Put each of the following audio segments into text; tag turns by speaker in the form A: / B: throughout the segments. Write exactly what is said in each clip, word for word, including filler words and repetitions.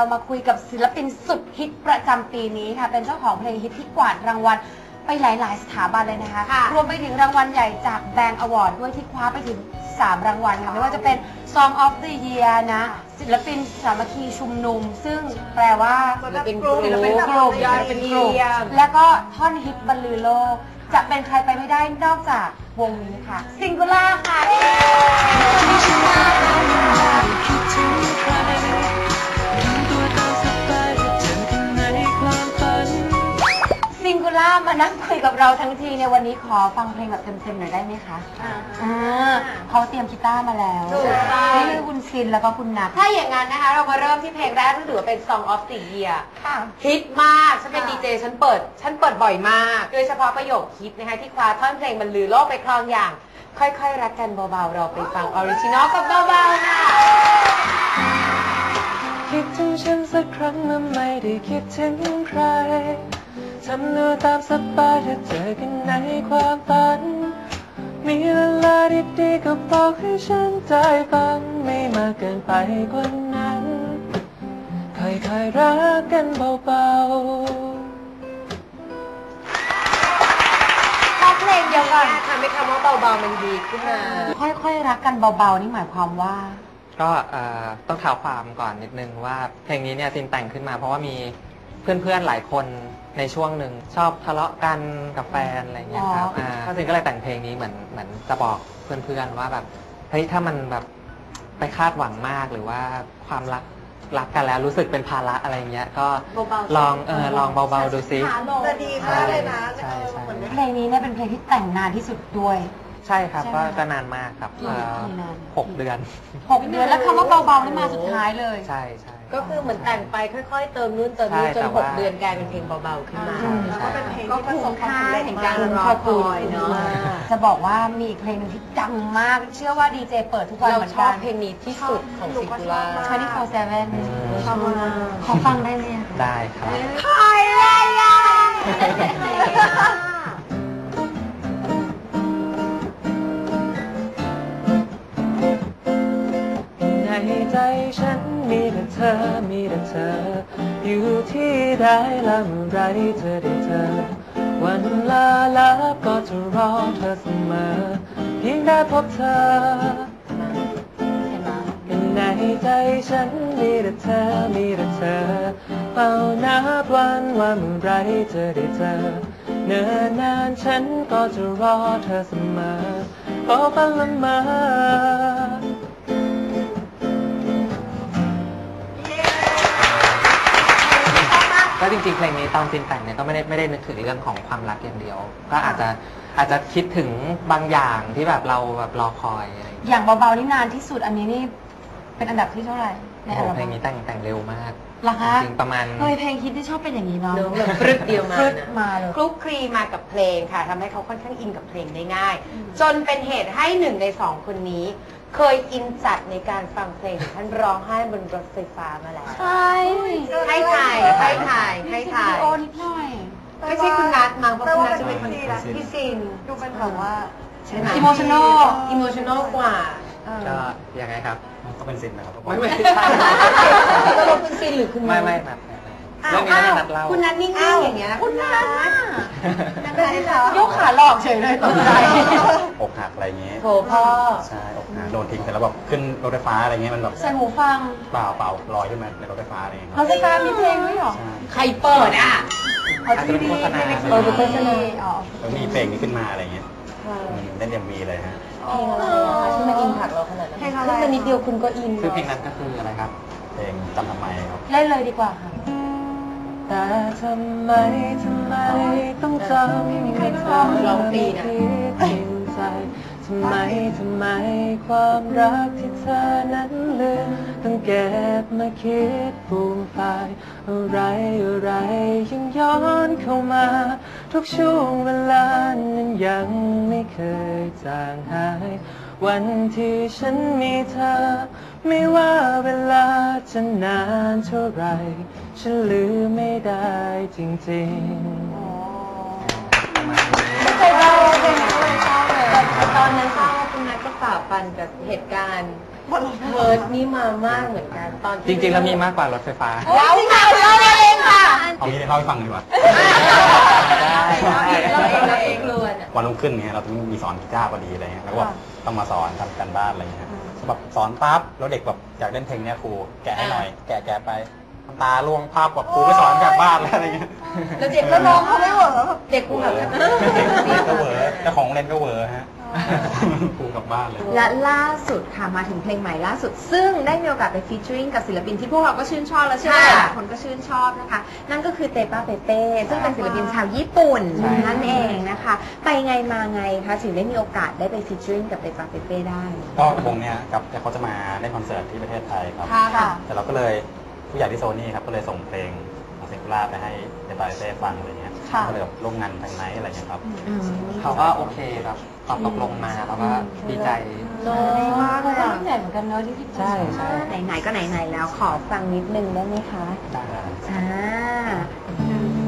A: มาคุยกับศิลปินสุดฮิตประจำปีนี้ค่ะเป็นเจ้าของเพลงฮิตที่กวาดรางวัลไปหลายๆสถาบันเลยนะคะรวมไปถึงรางวัลใหญ่จากแบงก์อวอร์ดด้วยที่คว้าไปถึงสามรางวัลค่ะไม่ว่าจะเป็น Song of the Year นะศิลปินสามัคคีชุมนุมซึ่งแปลว่าศิลปินกลุ่มศิลปินกลุ่มเป็นกลุ่มแล้วก็ท่อนฮิตบรรลือโลกจะเป็นใครไปไม่ได้นอกจากวงนี้ค่ะซิงคูล่าค่ะซิงคูล่ามานั่งคุยกับเราทั้งทีในวันนี้ขอฟังเพลงแบบเต็มๆหน่อยได้ไหมคะอ่าเขาเตรียมกีตาร์มาแล้วนี่คือคุณซินแล้วก็คุณนัทถ้าอย่างนั้นนะคะเรามาเริ่มที่เพลงแรกที่ถือว่าเป็น Song of the Year ฮิตมากฉันเป็นดีเจฉันเปิดฉันเปิดบ่อยมากโดยเฉพาะประโยคฮิตนะคะที่คว้าท่อนเพลงบรรลือโลกไปครองอย่างค่อยๆรักกันเบาๆเราไปฟังออริจินอลกับเบาๆค่ะคิดถึงฉันสักครั้งเมื่อไม่ได้คิดถึงใครทำตัวตามสบายถ้าเจอกันในความฝันมีเวลาดีๆก็บอกให้ฉันได้ฟังไม่มากเกินไปกว่านั้นค่อยๆรักกันเบาๆพอเพลงเดียวกันทำให้คำว่าเบาๆมันดีขึ้นมาค่อยๆรักกันเบาๆนี่หมายความว่า
B: ก็ต้องเท้าความก่อนนิดนึงว่าเพลงนี้เนี่ยซินแต่งขึ้นมาเพราะว่ามีเพื่อนๆหลายคนในช่วงหนึ่งชอบทะเลาะกันกับแฟนอะไรเงี้ยครับอ่าก็ซินก็เลยแต่งเพลงนี้เหมือนเหมือนจะบอกเพื่อนๆว่าแบบเฮ้ยถ้ามันแบบไปคาดหวังมากหรือว่าความรักรักกันแล้วรู้สึกเป็นภาระอะไรเงี้ยก็ลองเออลองเบาๆดูซิ
C: จะดีมากเลยนะ
B: ใช่ใช่
A: เพลงนี้เนี่ยเป็นเพลงที่แต่งนานที่สุดด้วย
B: ใช่ครับก็ก็นานมากครับหกเดือน
A: หกเดือนแล้วคำว่าเบาๆนี่มาสุดท้ายเลย
B: ใช่ใช่
C: ก็คือเหมือนแต่งไปค่อยๆเติมนู่นเติมนี่จนหกเดือนกลายเป็นเพลงเบาๆขึ้นมาก็เป็นเพลงที่ประสบความสำเร็จแห่งการรอคอยเนาะ
A: จะบอกว่ามีอีกเพลงนึงที่ดังมากเชื่อว่าดีเจเปิดทุกวันเหมือนกัน
C: เราชอบเพลงนี้ที่สุดของซิงคูล่า
A: ยี่สิบสี่ ชอบมากขอฟังได้ไหม
B: ได้ครับ
A: คอยเลยอ่ะ
B: ในใจฉันมีแต่เธอมีแต่เธออยู่ที่ใดและเมื่อไรเธอได้เจอวันลาลับก็จะรอเธอเสมอเพียงได้พบเธอในใจฉันมีแต่เธอมีแต่เธอเฝ้านับวันว่าเมื่อไรเธอได้เจอเนิ่นนานฉันก็จะรอเธอเสมอขอฝันละเมอก็จริงๆเพลงนี้ตอนซินแต่งเนี่ยก็ไม่ได้ไม่ได้นึกถึงเรื่องของความรักอย่างเดียวก็อาจจะอาจจะคิดถึงบางอย่างที่แบบเราแบบรอคอยอะไร
A: อย่างเบาๆนี่นานที่สุดอันนี้นี่เป็นอันดับที่เท่าไหร่ในอัลบั้ม
B: เพลงนี้แต่งแต่งเร็วมาก
A: หรอคะ
B: จริงประมาณ
A: เฮ้ยเพลงฮิตที่ชอบเป็นอย่างนี้เนาะ
C: แบบฟรึดเดียวมา
A: มาเลย
C: คลุกคลีมากับเพลงค่ะทำให้เขาค่อนข้างอินกับเพลงได้ง่ายจนเป็นเหตุให้หนึ่งในสองคนนี้เคยอินจัดในการฟังเพลงท่านร้องไห้บนรถไฟฟ้ามาแล้ว
A: ใช่
C: ให้ถ่ายให้ถ่ายให้ถ่าย
A: โอ้นิดหน่อย
C: ไม่ใช่คุณนัทมั้งเพราะคุณนัทจะเป็นคนพี่ซิน
A: ดูเป็นแบบว่า
C: อิโมชันอลอิโมชันอลกว่า
B: ก็ยังไงครับ
D: ก็เป็นซินนะครับ
B: ไม่ไม่
C: ใช่ตกลงคุณซินหรือคุณ
B: ไม่ไม่นัทเรื่องนี้นัทเล่า
C: คุณนัทนิ่งๆอย่างเงี้ย
A: คุณนัท
C: นัท
A: ยกขาหลอกเฉยเลยตกใจ
D: อกหักอะไรเงี้ย
C: โถพ่อ
D: ใช่อกหักโดนทิ้งเสร็จแล้วแบบขึ้นรถไฟฟ้าอะไรเงี้ยมันแบบ
A: ใส่หูฟัง
D: เปล่าเปล่าลอยขึ้นมาในรถไฟฟ้าอะไรเงี้ย
A: รถไฟฟ้ามีเพลงด้วยหรอ
C: ใครเปิดอ่ะ
B: อาจจะเป็นโฆษณา
A: เออเป็นโฆษณาอ๋อ
D: แล้วมีเพลงนี้ขึ้นมาอะไรเงี้ยเล่นยังมีเลยฮะ
C: เพลงอะไรที่มันอินผักเราขนาดนั้นเพลงอะไรนิดเดียวคุณก็อิน
B: คือเพลงนั้นก็คืออะไรครับ
D: เพลงจำทำไมครับ
A: เล่นเลยดีกว่าค่ะ
B: แต่ทำไมทำไมต้องจำให้เธอ
C: ร้องปีนะ
B: ใจทำไมทำไมความรักที่เธอนั้นลืมต้องเก็บมาคิดฟูมฟายอะไรอะไรยังย้อนเข้ามาทุกช่วงเวลานั้นยังไม่เคยจางหายวันที่ฉันมีเธอไม่ว่าเวลาจะนานเท่าไรฉันลืมไม่ได้จริงๆ
C: ไม่เคยเล่าเลยไม่เคยเล่าเลยตอนนั้นทราบว่าคุณนัทก็ฝ่าฟันกับเหตุการณ์เพิร์ดนี่มามากเหมือนกันตอน
B: จริงๆแล้วมีมากกว่ารถไฟฟ้า
C: เราค่ะเราเองค่ะ
D: เอางี้เล่าให้ฟังดีกว่า
B: ได้
C: เราเองเราเองเราเองล้วน
D: วันรุ่งขึ้นเนี่ยเราต้องมีสอนกีตาร์พอดีอะไรเงี้ยแล้วก็แบบต้องมาสอนทำกันบ้านอะไรเงี้ยแบบสอนปั๊บแล้วเด็กแบบอยากเล่นเพลงเนี้ยครูแกะให้หน่อยแกะแกะไปน้ำตาล่วงภาพแบบครูไม่สอนกลับบ้านแล้วอะไรเงี้ย
C: แล้วเด็กก็ร้องเขาไม่เหวอเด็กกูแบบ
D: เด็กก็เหวอเจ้าของโรงเรียนก็เหวอฮะครูกลับบ้านเลย
A: และล่าสุดค่ะมาถึงเพลงใหม่ล่าสุด ซึ่งได้มีโอกาสไปฟีเจอริงกับศิลปินที่พวกเราก็ชื่นชอบและเชื่อว่าหลายคนก็ชื่นชอบนะคะ นั่นก็คือเตป้าเปเป้ซึ่งเป็นศิลปินชาวญี่ปุ่นนั่นเองนะคะ ไปไงมาไงคะถึงได้มีโอกาสได้ไปฟีเจอริงกับเตป้าเปเป้ได้
D: ก็วงเนี้ยกับเขาจะมาเล่นคอนเสิร์ตที่ประเทศไทยครับ
A: ค่ะ
D: แต่เราก็เลยผู้ใหญ่ที่โซนี่ครับก็เลยส่งเพลงของเซนคูล่าไปให้เดบาเต้ฟังอะไรเงี้ยก็เลยแบบร่วมงานทางไหนอะไรเงี้ยครับ
B: เขาก็โอเคครับตอบตกลงมาแล้วก็ดีใจ
A: โน้มากเลยรุ่นใหญ่เหมือนกันเนอะที่พี่
B: ใช่ใช่
A: ไหนๆก็ไหนๆแล้วขอฟังนิดนึงได้ไหมคะ
B: ได้
A: อ่า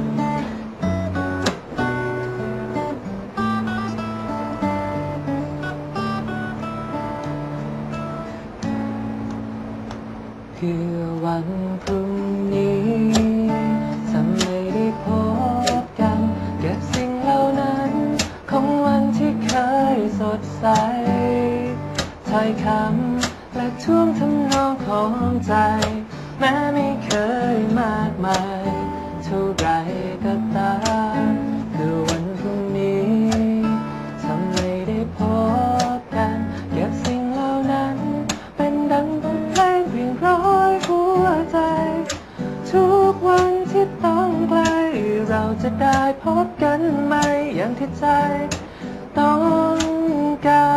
B: เพื่อวันพรุ่งนี้จะไม่ได้พบกันเก็บสิ่งเหล่านั้นของวันที่เคยสดใสถ้อยคำและท่วงทำนองของใจแม้ไม่เคยมากมายเท่าไรก็ตามคือวันพรุ่งนี้ถ้าไม่ได้พบกันเก็บสิ่งเหล่านั้นเป็นดังบทเพลงเพียงร้อยหัวใจทุกวันที่ต้องไกลเราจะได้พบกันไหมอย่างที่ใจต้องการ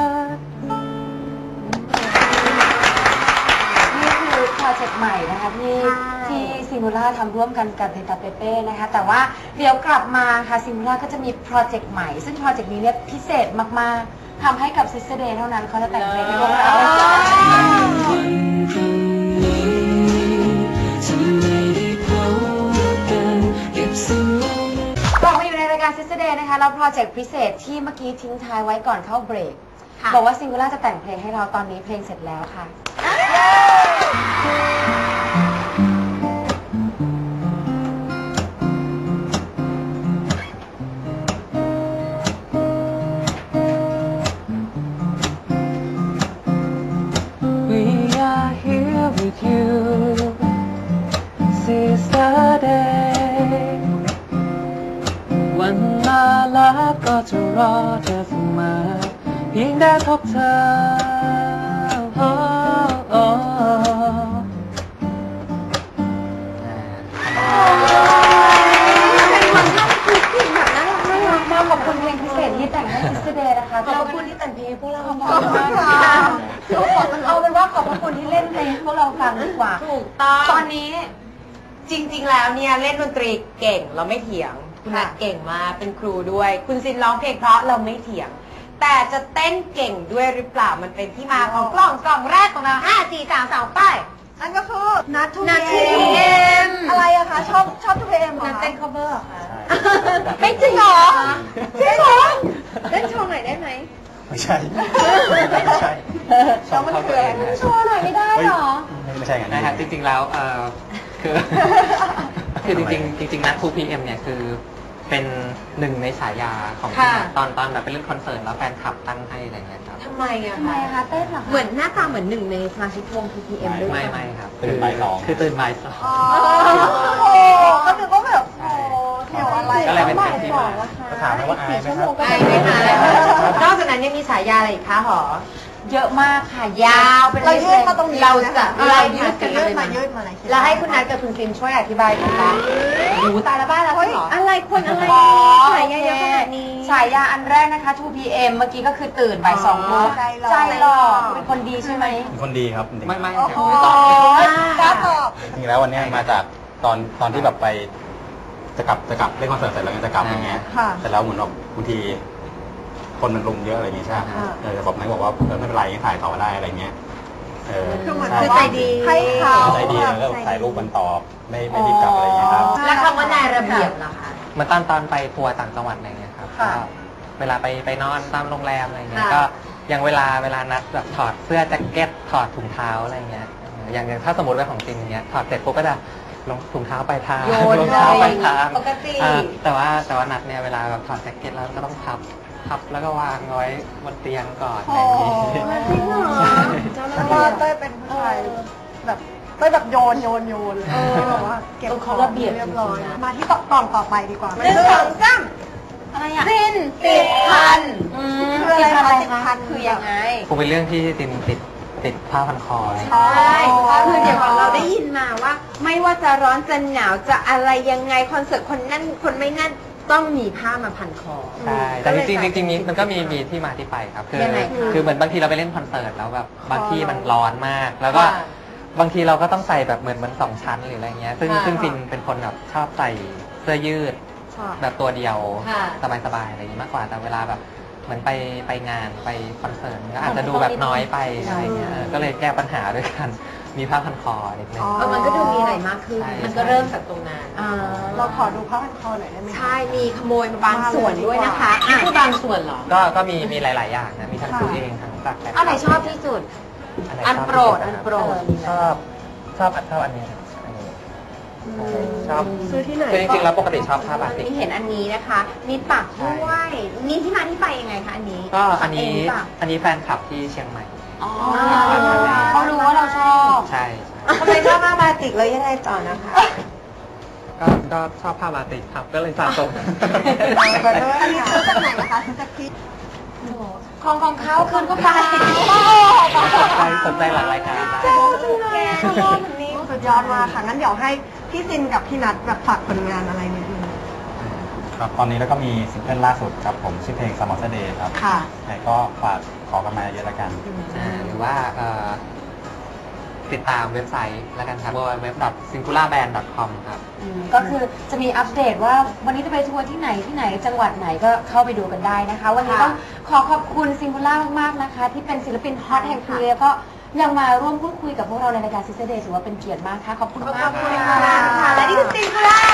A: นี่คือโปรเจกต์ใหม่นะคะที่ที่ซิงคูล่าทำร่วมกันกับเตตาเปเป้นะคะแต่ว่าเดี๋ยวกลับมาค่ะซิงคูล่าก็จะมีโปรเจกต์ใหม่ซึ่งโปรเจกต์นี้เนี่ยพิเศษมากๆทำให้กับ Sister Day เท่านั้นเขาจะแต่งเพลงให้พวกเรากลับมาอยู่ในรายการ Sister Day นะคะแล้วโปรเจกต์พิเศษที่เมื่อกี้ทิ้งท้ายไว้ก่อนเข้าเบรกบอกว่าซิงคูล่าจะแต่งเพลงให้เราตอนนี้เพลงเสร็จแล้วค่ะ
B: We are here with you Sister Day วันมาแล้วก็จะรอเธอเสมอเพียงได้พบเธอ oh, oh.
A: เป็นวันที่คือเพลงแบบน่ารักน่ารักมากขอบคุณเพลงพิเศษที่แต่งให้ Sister Day นะคะขอบคุณที่แต่งเพลงให้พวกเราขอบคุณค่ะเอาเป็นว่าขอบคุณที่เล่นเพลงให้พวกเราฟังดีกว่า
C: ถูกต้อง
A: ตอนนี้
C: จริงๆ แล้วเนี่ยเล่นดนตรีเก่งเราไม่เถียงคุณนัทเก่งมากเป็นครูด้วย คุณซินร้องเพลงเพราะเราไม่เถียง แต่จะเต้นเก่งด้วยหรือเปล่ามันเป็นที่มาของกล่องกล่องแรกของเราห้า สี่ สาม สองไป
E: นั่นก็คือนัททู
C: นัท
E: เอ
C: ทูเอ็ม
E: อะไรอะคะชอบชอบทูเอ็มเหรอ
C: นัท
E: คะ
C: เต้น cover เหรอคะ
A: ไม่จริงเหรอ
E: จริงเหรอ
C: เล่นโชว์หน่อยได้ไหม
D: ไม่ใช่ไม่ใช่
E: แล้วมันคืออะไร
A: โชว์หน่อยไม่ได้เหรอ
D: ไม่ใช่ไง
B: นะครับจริงๆแล้วเอ่อคือ คือจริงๆจริงๆนัด ทู พี เอ็ม เนี่ยคือเป็นหนึ่งในฉายาของที่นัทตอนตอนแบบไปเล่นคอนเสิร์ตแล้วแฟนคลับตั้งให้อะไรเงี้ยครับ
C: ทำไมอะ
A: ทำไม
C: คะ
A: คะเต้นเหรอคะเหมือนหน้าตาเหมือนหนึ่งในสมาชิกวง ทู พี เอ็ม ด้วย
B: ไม่
A: ใช่ไหม
B: ไม่ครับ
D: ตื่นบ่ายสอง
B: คือตื่นบ่ายสอง
E: อ๋อโอ้ก็นึกว่าแบบโอ้เกี่ยวอะไร
B: ก็เลยเป็นเพลงที่มา
D: ก็ถามว่าอายไหมครับ
C: ไม่ไม่มานอกจากนั้นยังมีฉายาอะไรอีกคะหอ
A: เยอะมากค่ะ
C: ยาวเป็น
E: เรายืดมาตรงนี้
C: เราจะ
E: เรา
C: เรา
E: ยื
C: ยื
E: ด
C: ด
E: กั
C: กัน น
E: ยื
C: เล
E: ด
C: ย
E: มา
C: มา
E: ยืดมาอะไร
C: แล้วให้คุณนัทกับคุณซินช่วยอธิบายกันบ้างหูตายแล้วบ้านแล้วจริงเหรอ
A: อะไรคนอะไร
C: อ๋อ
A: ฉายาเยอะขนาดนี้ฉายาอันแรกนะคะ ทู พี เอ็ม เมื่อกี้ก็คือตื่นบ่ายสองโมง
E: ใจหล่อ
A: ใจหล่อเป็นคนดีใช่ไหม
D: เป็นคนดีครับจริงๆ
B: ไม่ไม่
E: โอ้
B: ค
E: โห
B: รับ
E: กล้าตอบ
D: จริงๆแล้ววันเนี้ยมาจากตอนตอนที่แบบไปจะกลับจะกลับเล่นคอนเสิร์ตเสร็จแล้วไงจะกลับอย่างเงี้ย
E: ค่ะ
D: เสร็จแล้วเหมือนแบบบางทีคนมันลุมเยอะอะไรอย่างเงี้ยใช่ไหมเออแต่บอกนายบอกว่าเออไม่เป็นไรงั้นถ่ายต่อได้อะไรเงี้ยเออ
E: คือเหมือน
D: ใช่
E: คือใจดีให้เขา
D: ใจดีแล้วก็ถ่ายรูปกันต่อไม่ไม่รีบกลับอะไรอย่างเงี้ยครับ
C: แล้วคำว่านายระเบียบล่ะคะ
B: เหมาตอนตอนไปทัวร์ต่างจังหวัดอะไรเงี้ยครับ
E: ค่ะ
B: ก็เวลาไปไปนอนตามโรงแรมอะไรเงี้ย
C: ค่ะ
B: ก็อย่างเวลาเวลานัดแบบถอดเสื้อแจ็คเก็ตถอดถุงเท้าอะไรเงี้ยอย่างอย่างถ้าสมมติว่าของจริงเงี้ยถอดเสร็จปุ๊บก็จะลงถุงเท้าไปทาง
C: โยน
B: รองเท้าไปทาง
C: ปกติ
B: อ่าแต่ว่าแต่ว่านัดเนี่ยเวลาแบบถอดแจ็คเก็ตแล้วก็ต้องพับพับแล้วก็วางไว้บนเตียงก่อนอะไรอย่างงี้
E: จริงเหรอแล้วก็เต้ยเป็นผู้ชายแบบเต้ยแบบโยนโยนโยนเลยแบบว่าเก็บของ
A: ระเบียบ
E: เรียบร้อยมาที่กล่องต่อไปดีกว่า
C: หนึ่งสองสาม
A: อะไรอ่ะ
E: สิ้น
C: ติดพัน
A: อืม
E: คืออะไร
A: ติดพัน
E: คะ
A: อะไร
E: ติด
A: คะ
E: พัน
C: คือยังไง
B: คงเป็นเรื่องที่ตินติดติดผ้าพันคอเลย
C: ใช่คือเดี๋ยวก่อนเราได้ยินมาว่า ไม่ว่าจะร้อนจะหนาวจะอะไรยังไงคอนเสิร์ตคนนั่นคนไม่นั่นต้องมีผ้ามาพันคอ
B: ใช่แต่จริงๆจริงๆนี้มันก็มีมีที่มาที่ไปครับคือ
C: ยังไงคะ
B: คือเหมือนบางทีเราไปเล่นคอนเสิร์ตแล้วแบบบางที่มันร้อนมาก แล้วก็บางทีเราก็ต้องใส่แบบเหมือนเหมือนสองชั้นหรืออะไรเงี้ยซึ่ง
C: ค่ะ
B: ซึ่งฟินเป็นคนแบบชอบใส่เสื้อยืด
E: ค่ะ
B: แบบตัวเดียว
C: ค่ะ
B: สบายๆอะไรอย่างนี้มากกว่าแต่เวลาแบบเหมือนไปไปงานไปคอนเสิร์ตก็อาจจะดูแบบน้อยไปอะไรเงี้ยเออก็เลยแก้ปัญหาด้วยกันมีผ้าพันคอนิดนึง
E: อ๋อ
C: เออมันก็ดูมีอะไรมากขึ้น
B: ใช่
C: มันก็เริ่มจากตรงนั้น
A: อ่า
E: เราขอดูผ้าพันคอหน่อยได้ไหมคะ
C: ใช่ มีขโมยมาบางส่วนด้วยนะคะนี่คือบางส่วนเหรอ
B: ก็ก็มีมีหลาย ๆ อย่างนะมีทั้งซื้อเองทั้งจากแฟนคลับ
C: อันไหนชอบที่สุด
B: ไห
C: อัน
B: ชบ
C: โปรด
B: ที่
C: อัน
B: สุะคบ
C: โปรด
B: ชอบชอบอันชอบอันนี้ครับอันนี้ชอบ
E: ซื้อที่ไหน
B: คือจริงๆแล้วปกติชอบผ้าบาติก
C: นี่เห็นอันนี้นะคะ มีปักด้วยนี่ที่มาที่ไปยังไงคะอันนี้
B: ก็อันนี้
C: ปักเงหรือเปล่า
B: อันนี้แฟนคลับที่เชียงใหม่
A: อ๋อเขารู้ว่าเราชอบ
B: ใช่
C: ทำไมชอบผ้าบาติกแล้วยังไงต่อนะคะ
B: ก็ก็ชอบผ้าบาติกครับก็เลยสะสม
E: อันนี้ซื้อจากไหนนะคะซื้อจากที่
A: ของของเขาคืนก็ไป
B: ใครสนใจหลังรายการได้
E: แกชอบคนนี้สุดยอดมากค่ะงั้นเดี๋ยวให้พี่ซินกับพี่นัทแบบฝากผลงานอะไรนิดนึง
D: ครับตอนนี้แล้วก็มีซิงเกิลล่าสุดครับผมชื่อเพลง Summer Day ครับ
E: ค่ะ
D: ไหนก็ฝากขอกันมาเยอะละกัน
B: อ่าหรือว่าเอ่อติดตามเว็บไซต์แล้วกันครับ ดับเบิลยู ดับเบิลยู ดับเบิลยู ดอท ซิงคูล่าแบนด์ ดอท คอม ครับ
A: อืมก็คือจะมีอัปเดตว่าวันนี้จะไปทัวร์ที่ไหนที่ไหนจังหวัดไหนก็เข้าไปดูกันได้นะคะ วันนี้ต้องขอขอบคุณซิงคูล่ามากๆนะคะ ที่เป็นศิลปินฮอตแห่งปีแล้วก็ยังมาร่วมพูดคุยกับพวกเราในรายการซิสเตอร์เดย์ถือว่าเป็นเกียรติมากค่ะขอบคุณมาก
C: ขอบคุณค่ะ และนี่คือซิงคูล่า